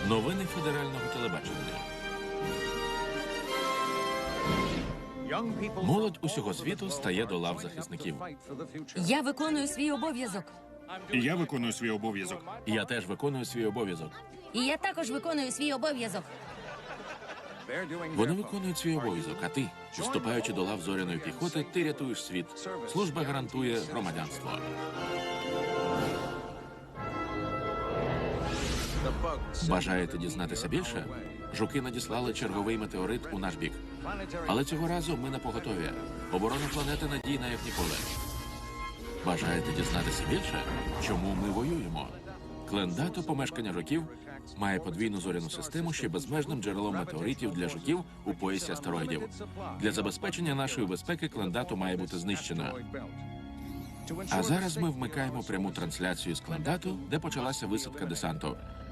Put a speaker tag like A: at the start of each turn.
A: Новини федерального телебачення. Молодь усього світу стає до лав захисників.
B: Я виконую свій обов'язок.
C: І я виконую свій обов'язок.
A: Я теж виконую свій обов'язок.
B: І я також виконую свій обов'язок.
A: Вони виконують свій обов'язок, а ти, вступаючи до лав зоряної піхоти, ти рятуєш світ. Служба гарантує громадянство. Бажаєте дізнатися більше? Жуки надіслали черговий метеорит у наш бік. Але цього разу ми на поготові. Оборона планети надійна, як ніколи. Бажаєте дізнатися більше? Чому ми воюємо? Клендато, помешкання жуків, має подвійну зоряну систему, що є безмежним джерелом метеоритів для жуків у поясі астероїдів. Для забезпечення нашої безпеки Клендато має бути знищено. А зараз ми вмикаємо пряму трансляцію з Клендато, де почалася висадка десанту.